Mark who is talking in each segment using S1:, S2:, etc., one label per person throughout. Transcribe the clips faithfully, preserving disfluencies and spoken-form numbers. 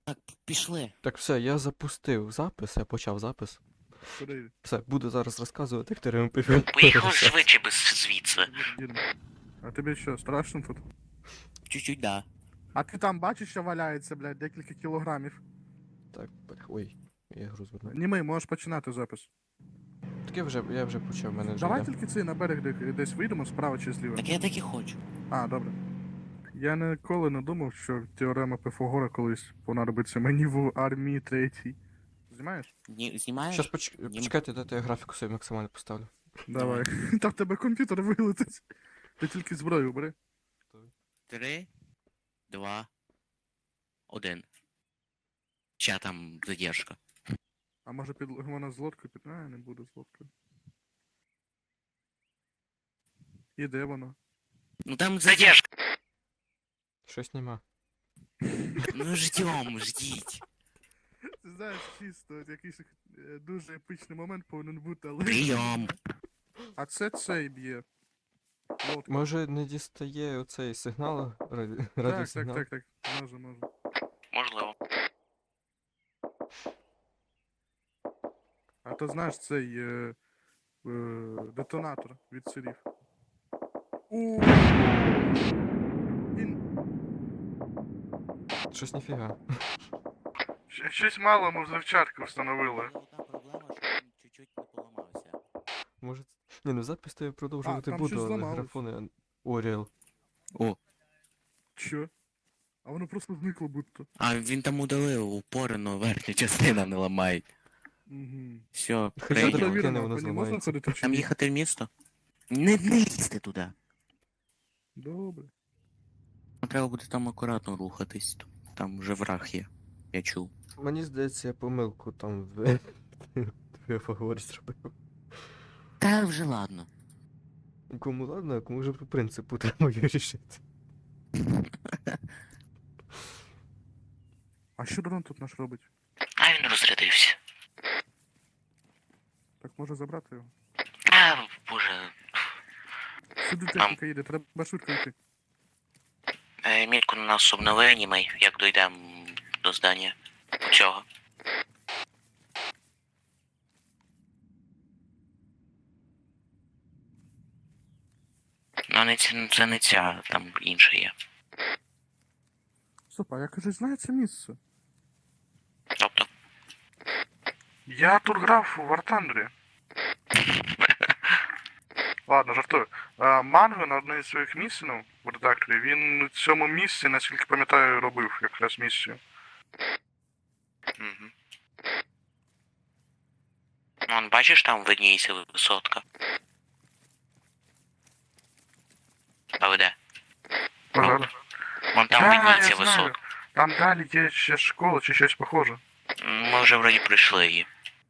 S1: Так, пішли.
S2: Так, все, я запустив запис, я почав запис.
S3: Куди?
S2: Все, буду зараз розказувати, як ти
S1: Поїхав швидше без звідси.
S3: Їдемо. А тобі що, страшно тут?
S1: Чуть-чуть, да.
S3: А ти там бачиш, що валяється, блядь, декілька кілограмів?
S2: Так, бля, ой, я гру звернув.
S3: Німий, можеш починати запис.
S2: Так я вже, я вже почав, мене вже
S3: Давай
S2: йде.
S3: тільки цей на берег де- десь вийдемо, справа чи зліва.
S1: Так я так і хочу.
S3: А, добре. Я ніколи не думав, що теорема Пифагора колись понадобиться мені в армії третій. Знімаєш?
S1: Ні, знімаєш?
S2: Щас поч...
S1: Ні.
S2: почекайте, дайте я графіку собі максимально поставлю.
S3: Давай. Там в тебе комп'ютер вилетить. Ти тільки зброю бери.
S1: Три, два, один. Ща там задержка.
S3: А може під вона з лодкою під. А, не буду з лодкою. І де воно?
S1: Ну там задержка.
S2: Щось нема.
S1: Ну ждем, ждіть.
S3: Ти знаєш, чисто от якийсь е, дуже епичний момент повинен бути, але.
S1: Прийом.
S3: А це цей б'є. Лодка.
S2: Може не дістає оцей сигнал, раді...
S3: Так, так,
S2: радіосигнал?
S3: так, так. Може, може.
S1: Можливо.
S3: А то знаєш цей е, е, детонатор від сирів. У. Він
S2: Щось ніфіга.
S3: щ- щось мало ми взривчатку встановили.
S1: Одна проблема, що він чуть-чуть не поламався.
S2: Може... Ні, ну запис то я продовжувати
S3: там
S2: буду,
S3: щось
S2: але
S3: зламалось.
S2: графони... Оріал.
S1: О,
S3: Що? А воно просто зникло будто.
S1: а він там удалив упори, но верхня частина не ламає.
S3: Угу.
S1: Все,
S2: Хоча
S1: прийом.
S2: б кине,
S3: Перевірено,
S2: воно
S3: по ній можна
S2: зламається.
S3: ходити чи
S1: Там
S3: ні?
S1: їхати в місто? Не, не їсти туди.
S3: Добре.
S1: Треба буде там акуратно рухатись. Там вже враг є. Я чув.
S2: Мені здається, я помилку там в... в Фаговорі зробив.
S1: Та вже ладно.
S2: Кому ладно, а кому вже по принципу треба вирішити.
S3: А що дрон тут наш робить?
S1: А він розрядився.
S3: Так може забрати його?
S1: А, боже.
S3: Сюди техніка їде, треба швидко йти.
S1: Е, мітку на нас обнови анімей, як дійдемо до здання. Чого? Ну, не ці, це не ця, там інша є.
S3: Стоп, а я кажу, знаю це місце.
S1: Тобто,
S3: Я тут грав у Вартандрі. Ладно, жартую. А, Манго на одній з своїх місій, ну, в редакторі, він у цьому місці, наскільки пам'ятаю, робив якраз місію.
S1: угу. Вон, бачиш, там видніється висотка. А де?
S3: Пожалуй.
S1: Вон там
S3: Да, я
S1: видніється
S3: знаю.
S1: висотка.
S3: Там далі є ще школа чи щось похоже.
S1: Ми вже вроді пройшли її.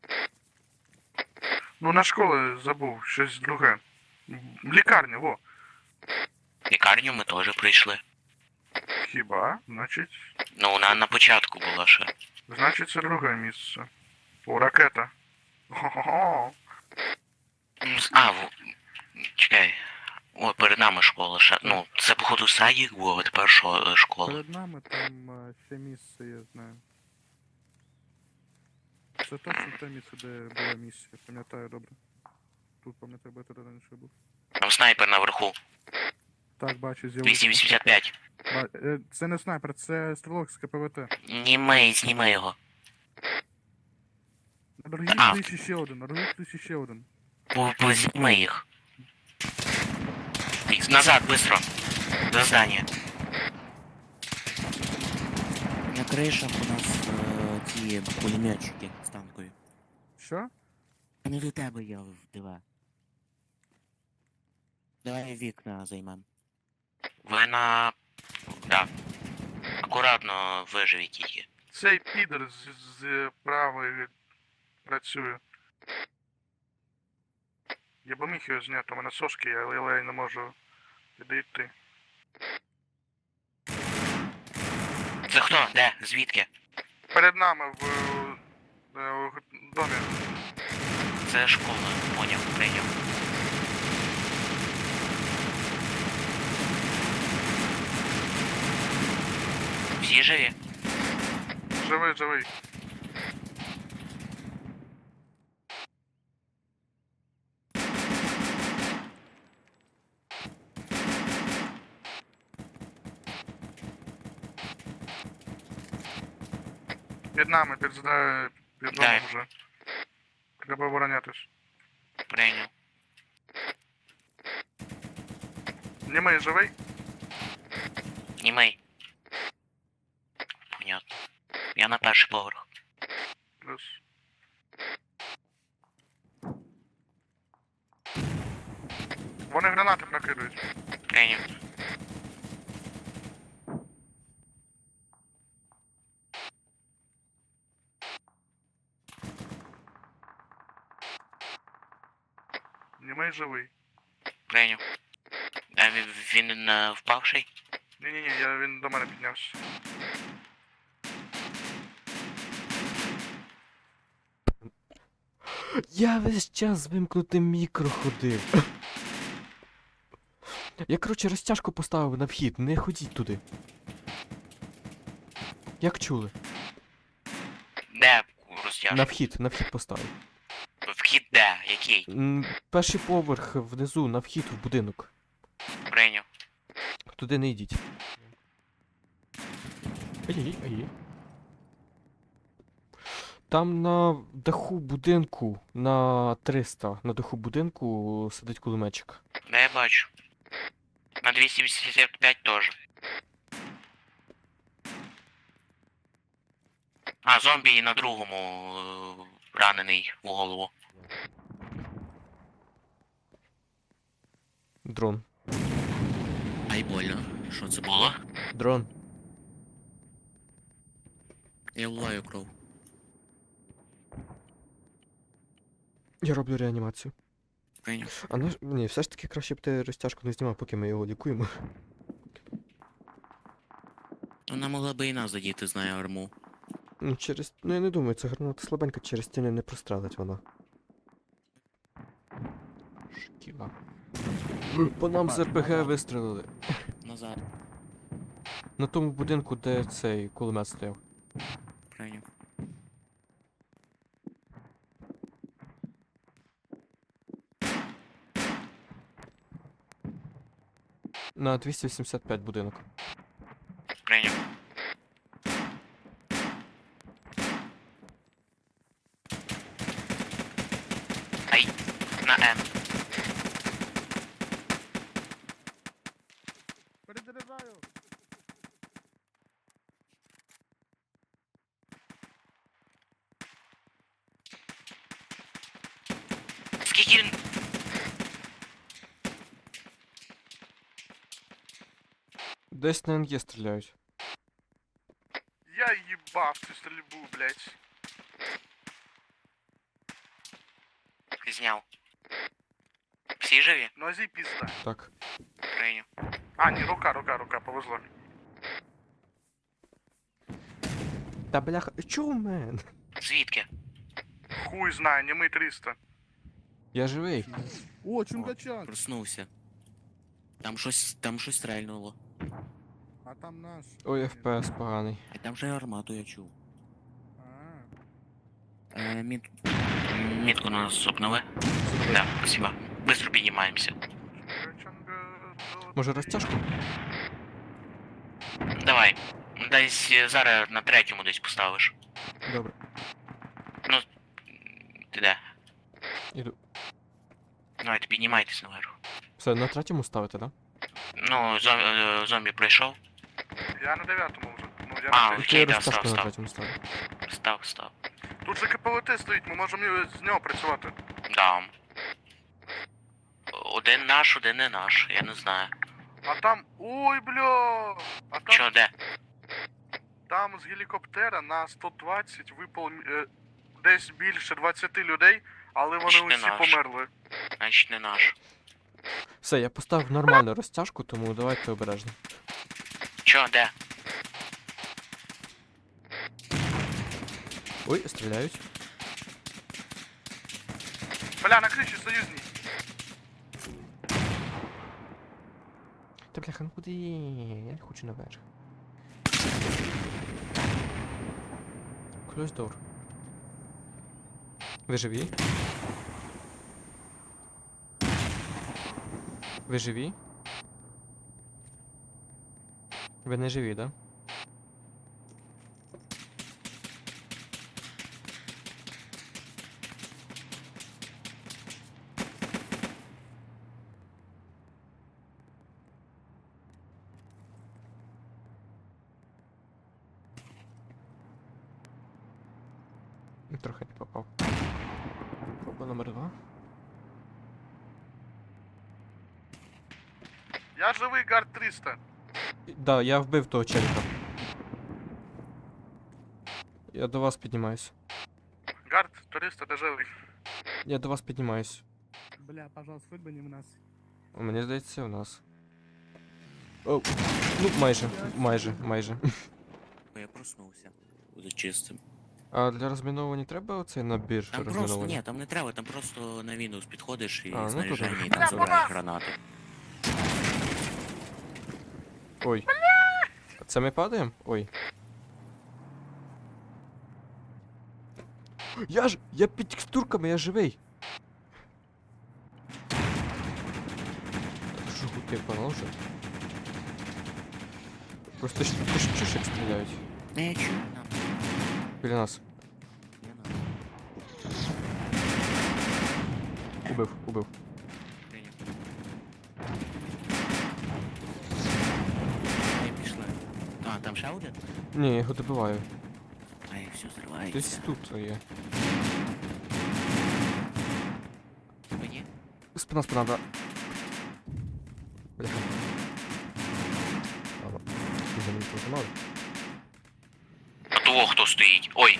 S3: Ну, на школу забув, щось друге. Лікарня, во.
S1: Лікарню ми теж прийшли.
S3: Хіба? Значить.
S1: Ну, вона на початку була ще.
S3: Значить, це друге місце. О, ракета. Хо-хо-хо.
S1: М, А, в... чекай. О, перед нами школа ще. Ну, це походу садик був, а тепер що, е, школа.
S3: Перед нами там е, ще місце, я знаю. Це точно те місце, де була місія, пам'ятаю добре. Тут пам'ятаю, бо я туди раніше був.
S1: Там снайпер наверху.
S3: Так, бачу,
S1: двісті
S3: з'явився.
S1: вісімдесят п'ять.
S3: Ба- е, Це не снайпер, це стрілок з КПВТ.
S1: Знімай, знімай його.
S3: На другій
S1: А.
S3: криші ще один, на другій криші ще один.
S1: По- Познімай їх. Ікс, назад, быстро. За здание. На кришах у нас е, ті пулеметчики станкові.
S3: Що?
S1: Не до тебе я вдива. Давай вікна займем. Ви на... Да. Акуратно виживіть її.
S3: Цей підер з, з правої працює. Я б міг його зняти, у мене сошки, є, але я не можу підійти.
S1: Це хто? Де? Звідки?
S3: Перед нами в, е, в домі.
S1: Це школа. Поняв, прийняв. Всі живі?
S3: живий, живий. Під нами, під, зда- під домом
S1: Дай.
S3: вже. Треба оборонятись.
S1: Прийняв.
S3: Німий живий?
S1: Німей. Понятно. Я на перший поверх.
S3: Плюс. Вони гранати накидують.
S1: Прийняв.
S3: Німий живий.
S1: Прийняв. А він, він не впавший?
S3: Ні-ні-ні, я, він до мене піднявся.
S2: Я весь час з вимкнутим мікро ходив. Я, коротше, розтяжку поставив на вхід, не ходіть туди. Як чули?
S1: Де розтяжка?
S2: На вхід, на вхід поставив.
S1: Вхід де? Який?
S2: М, Перший поверх внизу, на вхід в будинок.
S1: Прийняв.
S2: Туди не йдіть. Ай-яй, ай-яй. Там на даху будинку, на триста, на даху будинку сидить кулеметчик.
S1: Де я бачу? На двісті вісімдесят п'ять теж. А, зомбі і на другому е, ранений в голову.
S2: Дрон.
S4: Ай, больно. Що це було?
S2: Дрон.
S4: Я вливаю кров.
S2: Я роблю реанімацію.
S4: Прийняв.
S2: А наш... Ні, все ж таки краще б ти розтяжку не знімав, поки ми його лікуємо.
S4: Вона могла би і нас задіти, знає арму.
S2: Ну, через... Ну я не думаю, це граната слабенька, через стіни не прострелить вона. Шкіла. По нам з РПГ вистрелили.
S4: Назад.
S2: На тому будинку, де цей кулемет стояв.
S4: Прийняв.
S2: На двісті вісімдесят п'ять будинок.
S1: Прийняв. Ай, на М.
S3: Перезаряджаю!
S1: Скільки він...
S2: Десь на НГ стріляють.
S3: Я їбав цю стрільбу, блядь.
S1: Зняв. Всі живі?
S3: Нозі пізда.
S2: Так.
S1: Прийняв.
S3: А, ні, рука, рука, рука, повезло.
S2: Та бляха, чого мен?
S1: Звідки?
S3: Хуй знає, німий триста.
S2: Я живий.
S3: О, чунгачан!
S4: Проснувся. Там щось, там щось стрельнуло.
S3: А там наш.
S2: Ой, еф пе ес поганий.
S4: І там же армату я чув.
S3: А.
S4: Е, мід...
S1: Мітку нас зупнули. Да, спасибо. Быстро піднімаємося.
S2: Може розтяжку?
S1: Давай. Десь е, зараз на третьому десь поставиш.
S2: Добре.
S1: Ти де?
S2: Іду.
S1: Давайте піднімайтесь наверх.
S2: Все, на третьому ставите, да?
S1: Ну, зом, е, зомбі прийшов.
S3: Я на дев'ятому вже. Ну, я
S1: А,
S3: на
S1: окей.
S3: третьому.
S2: Я
S1: да,
S2: розтяжку
S1: став,
S2: на
S1: став.
S2: третьому ставлю.
S1: Став, став.
S3: Тут же КПВТ стоїть, ми можемо його- з нього працювати.
S1: Да. Один наш, один не наш, я не знаю.
S3: А там. Ой, бля! А там,
S1: Чо, де?
S3: там з гелікоптера на сто двадцять випало е, десь більше двадцять людей, але вони
S1: Значить, не
S3: усі
S1: наш.
S3: померли.
S1: Значить не наш.
S2: Все, я поставив нормальну розтяжку, тому давайте обережно.
S1: Чо, де?
S2: Ой, стріляють.
S3: Бля, на криші союзні.
S2: Та бляха, ну куди? Я не хочу наверх. Close door. Ви живі? Ви живі? Ви не живі, да? Трохи не попав. Проба номер два.
S3: Я живий, гард триста.
S2: Да, я вбив того челіка. Я до вас піднімаюсь.
S3: Гард триста, ти живий.
S2: Я до вас піднімаюсь.
S3: Бля, пожалуйста, вибані нас.
S2: О, мені здається, у нас. О, ну, майже, майже, майже.
S4: Я проснувся. Буде чистим.
S2: А для розміновування треба оцей набір
S4: Там просто,
S2: розміновування?
S4: ні, там не треба, там просто на Windows підходиш і
S2: А, ну, то
S4: снаряження,
S2: добре.
S4: і там забираєш гранату.
S2: Ой. Це ми падаємо? Ой. Я ж. Я під текстурками, я живий. Так, жгути положу. Просто ж ти ж чуєш, як стріляють.
S4: Не, я чую, нам.
S2: Біля нас.
S4: Не надо.
S2: Убив, убив.
S4: Прийняв. Ай, пішли. А, там ще один?
S2: Ні, я його добиваю.
S4: Ай, все
S2: Десь
S4: зривається.
S2: тут є.
S4: Мені?
S2: Спина, спина, да. Бляха. Ладно. Вже не пожимали.
S1: А того хто стоїть? Ой,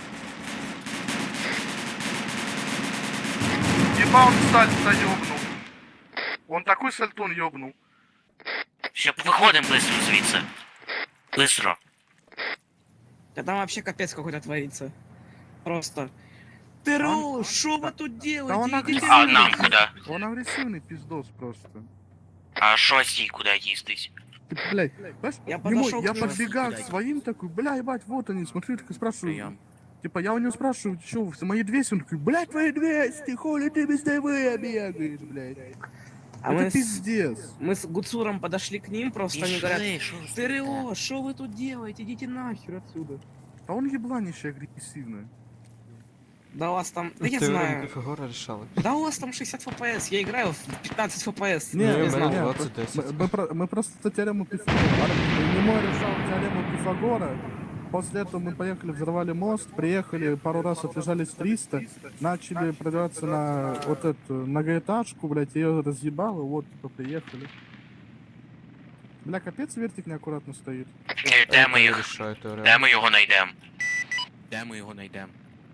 S3: Еба он сальто ёбнул. Он такой сальтон ёбнул.
S1: все, виходимо быстро звідси. Быстро.
S5: Да там вообще капец какой-то творится. Просто. ТРО, что вы тут делаете?
S3: он
S5: Идите
S3: агрессивный.
S1: А
S5: нахуй.
S1: нам куди?
S3: Он агрессивный пиздос просто.
S1: А що сій куди їздить?
S3: Ты, блядь, знаешь,
S5: Я
S3: не
S5: подошел
S3: мой, я
S5: к нему,
S3: подбегаю к
S4: блядь.
S3: своим такой, бля, ебать, вот они, смотрю, так и спрашиваю.
S4: Прийом.
S3: Типа, я у него спрашиваю, что, мои двести? Он такой, блядь, твои двести, хули ты без ТВ бегаешь, блядь.
S5: А
S3: Это
S5: мы с,
S3: пиздец.
S5: мы с Гуцуром подошли к ним, просто они говорят,
S4: Пішли, що ж таке?
S5: ТРО, что вы тут делаете? Идите нахер отсюда.
S3: А он ебланище агрессивный.
S5: Да у вас там, да я
S2: Теорему
S5: знаю,
S2: Пифагора решали.
S5: да у вас там шестьдесят эф пи эс, я играю в пятнадцать эф пи эс.
S2: Не,
S5: я
S2: у
S5: не знаю.
S2: меня
S3: не,
S2: двадцать десять.
S3: Мы, мы про- мы просто теорему Пифагора. Немой решал теорему Пифагора. После этого мы поехали, взорвали мост, приехали, пару раз отлежались триста, начали продираться на вот эту многоэтажку, блядь, ее разъебало, вот, типа, приехали. Бля, капец, вертик неаккуратно стоит.
S1: Е, Де ми
S2: Я
S1: їх?
S2: решаю теорему.
S1: Де ми його знайдемо?
S4: Де ми його знайдемо?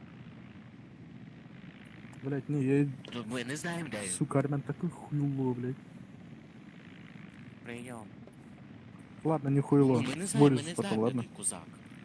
S3: Блядь, не, я,
S4: Тут ми не знаємо, де він.
S3: сука, Армян такой хуйло, блядь.
S4: Прийом.
S3: Ладно, не хуйло,
S4: Ми не знаємо, ми
S3: сборишь
S4: не
S3: потом,
S4: знаємо,
S3: ладно?
S4: який кузак.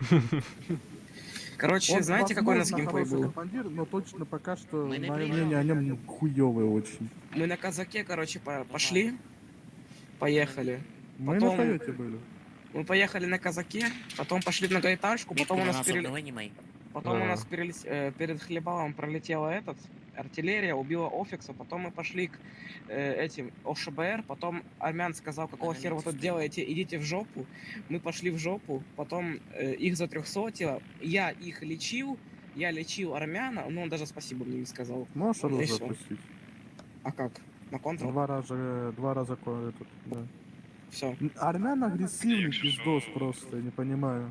S5: Короче,
S3: Он,
S5: знаете, какой у нас
S3: возможно,
S5: геймплей
S3: хороший
S5: был?
S3: командир, но точно пока что
S4: Мы не
S3: мое
S4: приезжали.
S3: мнение о нем хуёвое очень.
S5: Мы на казаке, короче, по- пошли, поехали.
S3: Мы
S5: Потом-
S3: на Тойоте были.
S5: Мы поехали на казаке, потом пошли в многоэтажку, потом у нас переле-
S4: обновлений.
S5: Потом у
S2: Да.
S5: нас перелез- э, перед Хлебалом пролетела этот, артиллерия, убила Офикса, потом мы пошли к э, этим ОШБР, потом Армян сказал, какого хера вы тут делаете, идите в жопу. Мы пошли в жопу, потом э, их затрехсотило, я их лечил, я лечил Армяна, ну он даже спасибо мне не сказал.
S3: Можешь
S5: Ну, и
S3: оружие
S5: всё.
S3: запустить?
S5: А как? На контрол?
S3: Два раза, э, два раза ко- этот, да.
S5: Все.
S3: Н- Армян агрессивный пиздос просто, я не понимаю.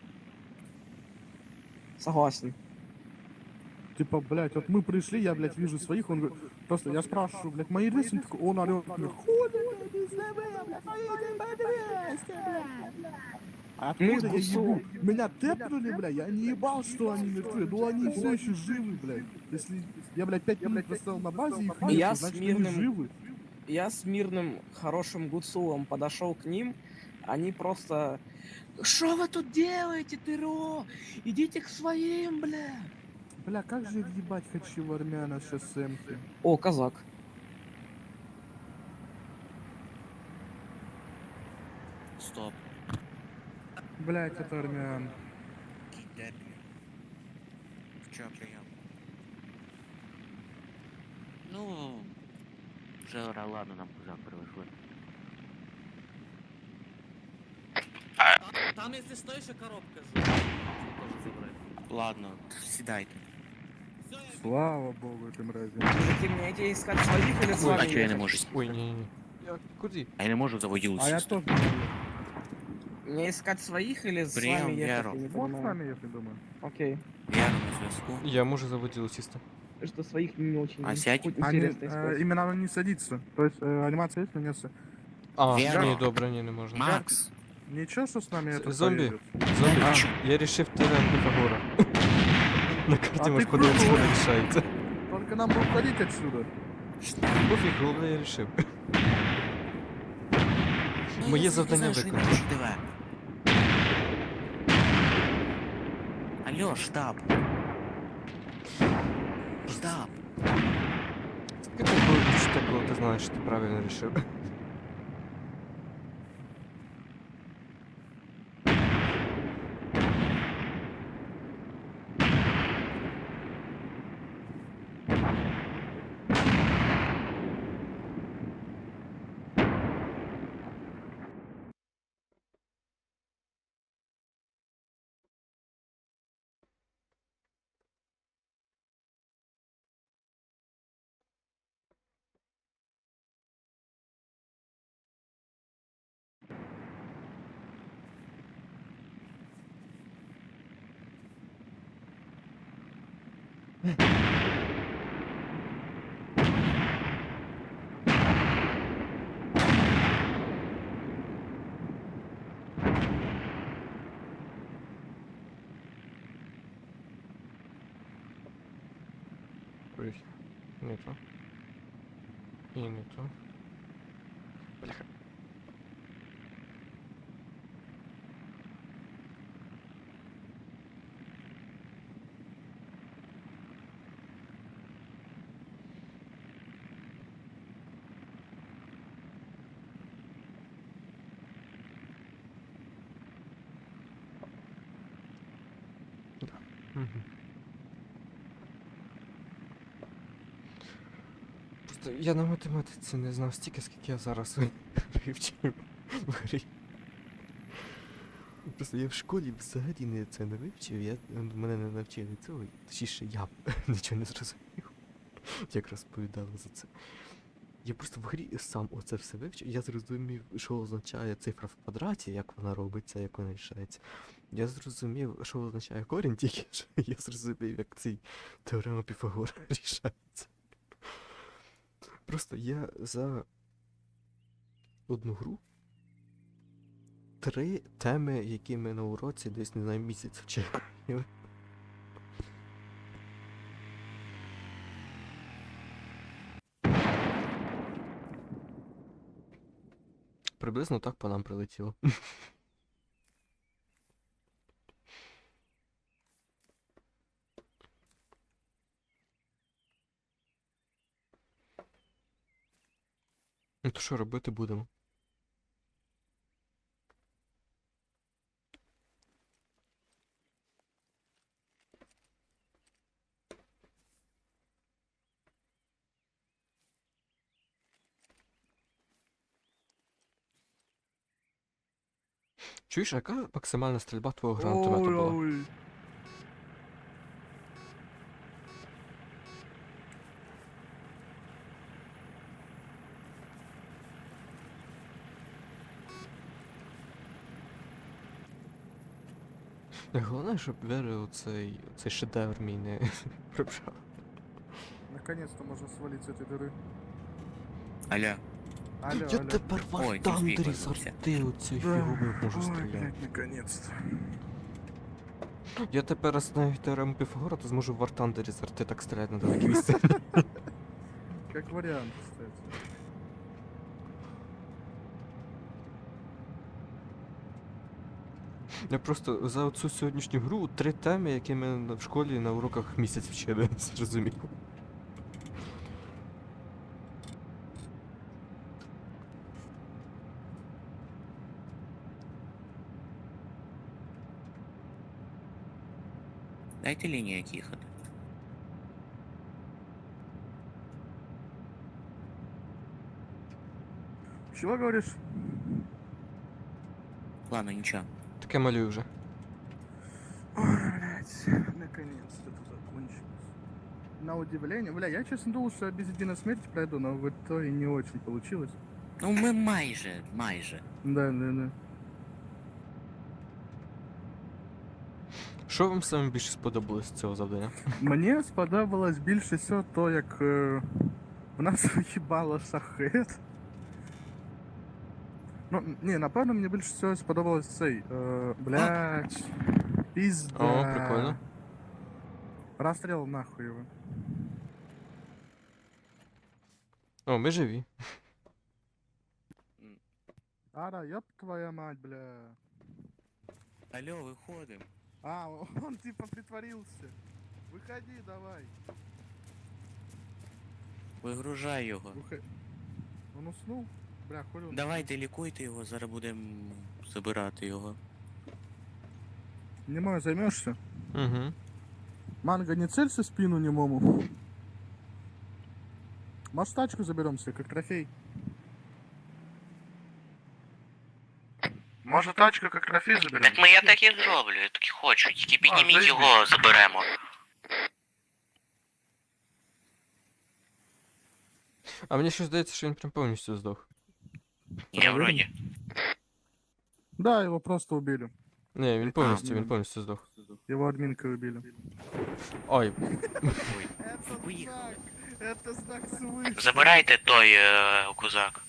S5: Согласен.
S3: Типа, блядь, вот мы пришли, я, блядь, вижу своих, он говорит, просто я спрашиваю, блядь, мои двести, он такой, он орёт, он говорит, хули, блядь, без ТВ, блядь, поедем по двести, блядь. А откуда я
S5: гусу.
S3: ебу? Меня тэпнули, блядь, я не ебал, что они мертвы, но они все еще живы, блядь. Если я, блядь, пять минут простоял на базе, их нет,
S5: Я с
S3: значит, они
S5: мирным-
S3: живы.
S5: Я с мирным, хорошим гуцулом подошел к ним, они просто... Что вы тут делаете, ТРО? Идите к своим, бля.
S3: Бля, как же ебать хочу в армяна сейчас эмки.
S5: О, казак.
S4: Стоп.
S3: Блядь, это армян.
S4: Який дебіль. Чё, прием? Ну, вже ра- ладно, нам кузак привезли.
S6: Там, если что, еще коробка же. Тоже забрать.
S4: Ладно, сідайте.
S6: Все, я
S3: Слава богу, этой мрази.
S5: Мужики, мне идти искать своих или с вами
S4: А чё я не
S5: ехать?
S4: можу?
S2: Ой, ні-ні-ні. Я куди?
S4: А я не можу заводілу
S3: А я
S4: сісти.
S3: тоже. не знаю.
S5: Мне искать своих или с
S4: Прием,
S5: вами ехать?
S4: Веру.
S5: Я не
S3: Вот с
S5: понимаю.
S3: вами, если думаю.
S5: Окей.
S4: Я на зв'язку.
S2: Я можу заводіло сісти.
S5: Что своих не очень
S4: А сядь.
S5: хоть
S3: Они,
S5: интересно
S3: э,
S5: искать.
S3: именно оно не садится. То есть э, анимация есть, но не с-
S2: А,
S4: Вера.
S2: ні, добре, ні, не можна.
S4: Макс!
S3: Ничего, что с нами
S2: З-
S3: это
S2: зомби.
S3: поедет.
S2: Зомбі,
S3: А.
S2: я рішив теорему Піфагора. На карті
S3: А
S2: можеш
S3: ти
S2: подивитися,
S3: пробував?
S2: вона рішається.
S3: Только нам бы уходить отсюда.
S2: Пофіг, головне я рішив.
S4: Ну,
S2: Моє
S4: я
S2: завдання
S4: знаю, що
S2: виконано.
S4: не можу, диви. Алло, штаб. Штаб.
S2: Скільки ти було відчуття, коли ти знаєш, що ти правильно рішив? Ой, не то. І не то. Бляха. Да. Мгм. Просто я на математиці не знав стільки, скільки я зараз вивчив в грі. Просто я в школі взагалі не це не вивчив, я, мене не навчили цього, точніше я нічого не зрозумів, як розповідали за це. Я просто в грі сам оце все вивчив, я зрозумів, що означає цифра в квадраті, як вона робиться, як вона рішається. Я зрозумів, що означає корінь, тільки що я зрозумів, як цей теорема Піфагора рішається. Просто я за одну гру три теми, які ми на уроці десь, не знаю, місяць вчили. Приблизно так по нам прилетіло. Ну то що робити будемо? Чуєш, а яка максимальна стрільба твого гранатомета
S3: Ой,
S2: була?
S3: ой.
S2: Головне, щоб Вера оцей, оцей шедевр мій не прибрав.
S3: Наконец-то можно свалить с этой дыры.
S4: Алло.
S3: Алло,
S2: Я
S3: алло.
S2: тепер в
S4: Ой,
S2: Артандері
S4: TeamSpeak
S2: з
S4: визвався.
S2: арти оцю
S3: Ой,
S2: фігурою можу
S3: ой,
S2: стріляти.
S3: блядь, наконец-то.
S2: Я тепер знаю теорему Піфагора, то зможу в Артандері з арти так стріляти на далекій відстані.
S3: Как вариант, кстати.
S2: Я просто за оцю сьогоднішню гру три теми, які ми на- в школі на уроках місяць вчили, зрозумів.
S4: Дайте лінію як їхати.
S3: Чего говоришь?
S4: Ладно, ничего.
S2: Таке малюю вже.
S3: Ой, блядь, наконец-то это закончилось. На удивление, бля, я честно думал, что я без единой смерти пройду, но в итоге не очень получилось.
S4: Ну ми майже, майже.
S3: Да, да, да.
S2: Що вам саме більше сподобалось з цього завдання?
S3: Мені сподобалось більше всього то, як е, в нас виїбало шахет. Ну, ні, напевно, мені більше всього сподобалось цей. Е, блядь. Пізда.
S2: О, прикольно.
S3: Расстрел нахуй его.
S2: О, ми живі.
S3: Ара, ёб твоя мать, бля.
S4: Алло, виходимо.
S3: А, он типа притворился. Выходи, давай.
S4: Вигружай його.
S3: Выходи. Он уснул? Бля, хули он.
S4: Давайте лікуйте його, зараз будемо забирати його.
S3: Немой займешься?
S2: Угу.
S3: Манго, не целься в спину немому. Может, тачку заберем себе, как трофей? Может, тачку как трофей заберем?
S1: Так ми я так і зроблю, я так і хочу. Тільки підніміть
S3: заєбісь.
S1: його, заберемо.
S2: А мені щось здається, що він прям повністю здох.
S1: Ні, вроді.
S3: Да, его просто убили.
S2: Ні, він повністю,
S3: А,
S2: він
S3: м.
S2: повністю здох.
S3: Его админкой убили.
S2: Ой,
S3: Это
S4: Выехал.
S3: знак! Это знак свыше!
S1: Забирайте той е, кузак.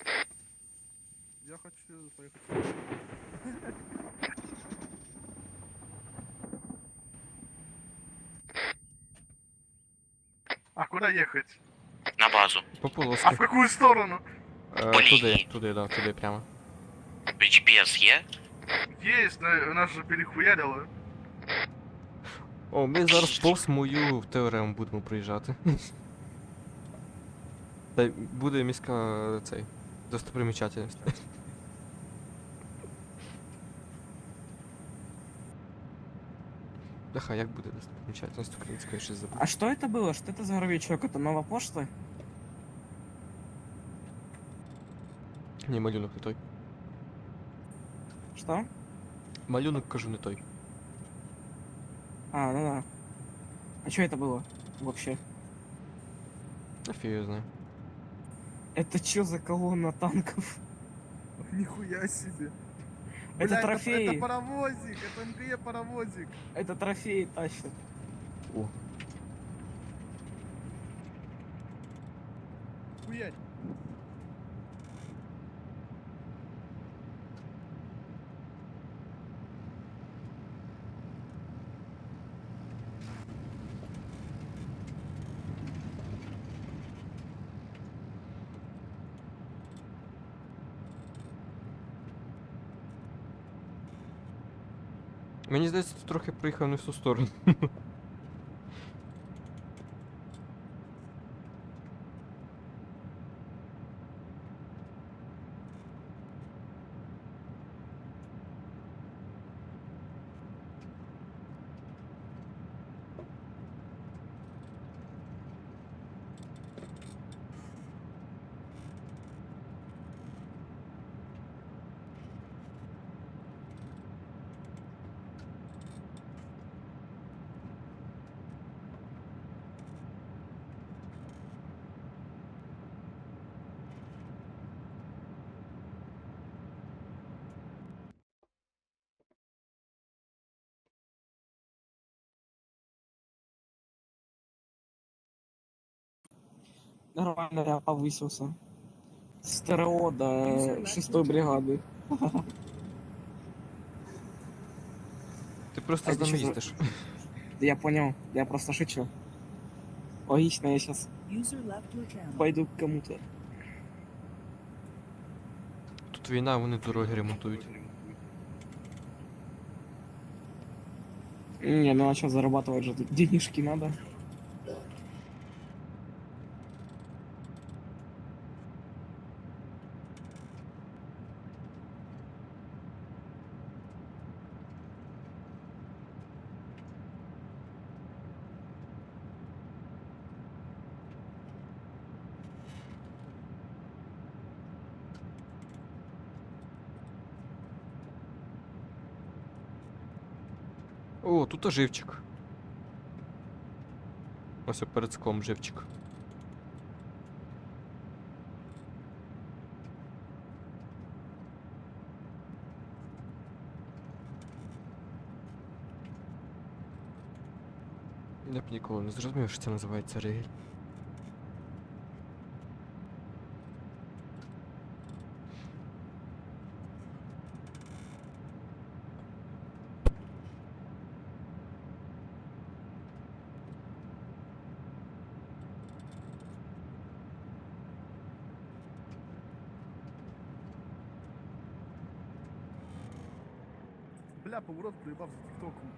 S3: Я хочу поехать. А куда ехать?
S1: На базу.
S2: по
S3: А
S2: полоски.
S3: в какую сторону?
S2: Е,
S1: по
S2: туди,
S1: лінії.
S2: туди, да, туди прямо.
S1: джі пі ес є?
S3: Есть, но нас же перехуярило.
S2: О, ми зараз повз мою теорему будемо проїжджати. Та й буде міська цей. Достопримічательність. Бляха, як буде достопримічательність українською, щось забув.
S5: А что это было? Что это за горовичок? Это новая почта?
S2: Ні, малюнок не той.
S5: Что?
S2: Малюнок, кажу, не той.
S5: А, ну да. А что это было вообще?
S2: А фиг я знаю.
S5: Это что за колонна танков?
S3: Нихуя себе.
S5: Это
S3: Бля,
S5: трофеи.
S3: Это, паровозик, это МГЕ паровозик.
S5: Это трофеи тащат.
S2: О,
S3: Хуярь.
S2: мені здається, ти трохи приїхав не в ту сторону.
S5: Нормально я повысился. С ТРО до шестой бригады.
S2: Ти просто
S5: А
S2: з
S5: ти
S2: нами
S5: що за-
S2: їздиш.
S5: Да я понял, я просто шучу. Логично, я сейчас
S7: User left your channel.
S5: пойду к кому-то.
S2: Тут війна, вони дороги ремонтують.
S5: Не, ну а что, зарабатывать же тут денежки надо.
S2: О, тут оживчик. Ось перед склом живчик. Я б ніколи не зрозумів, що це називається ригель.
S3: Бля, поворот проебав за тиктоком.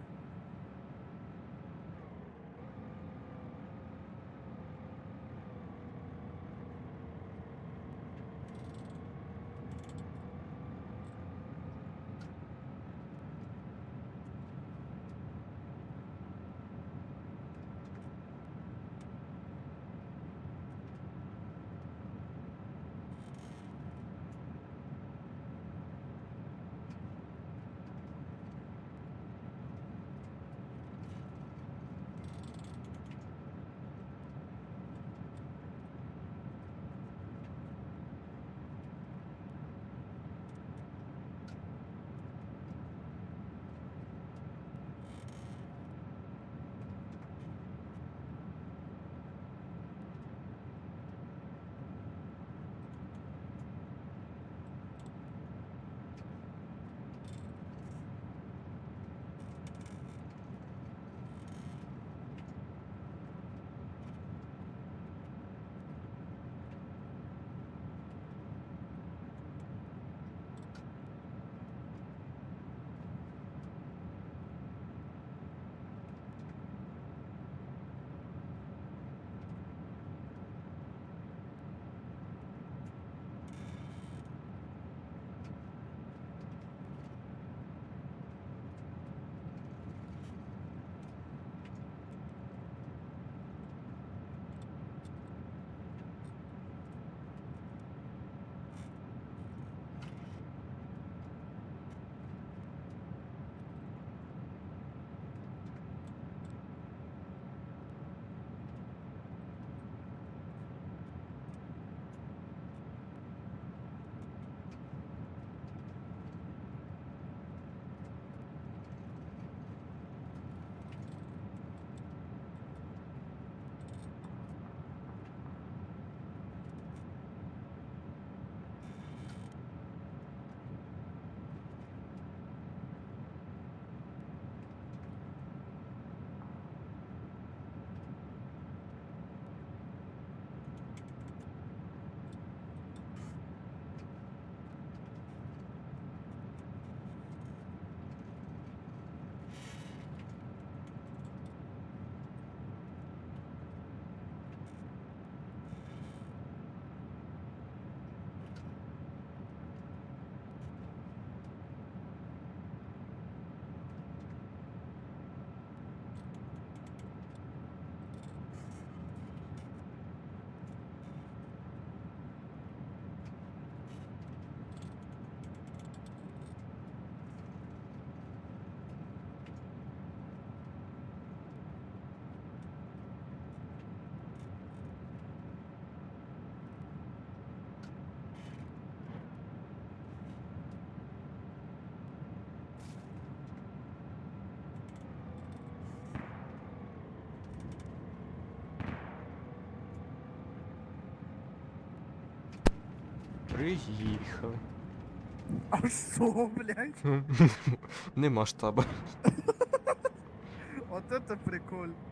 S2: Приїхали.
S3: А что, блядь?
S2: Нема штаба.
S3: Вот это прикольно.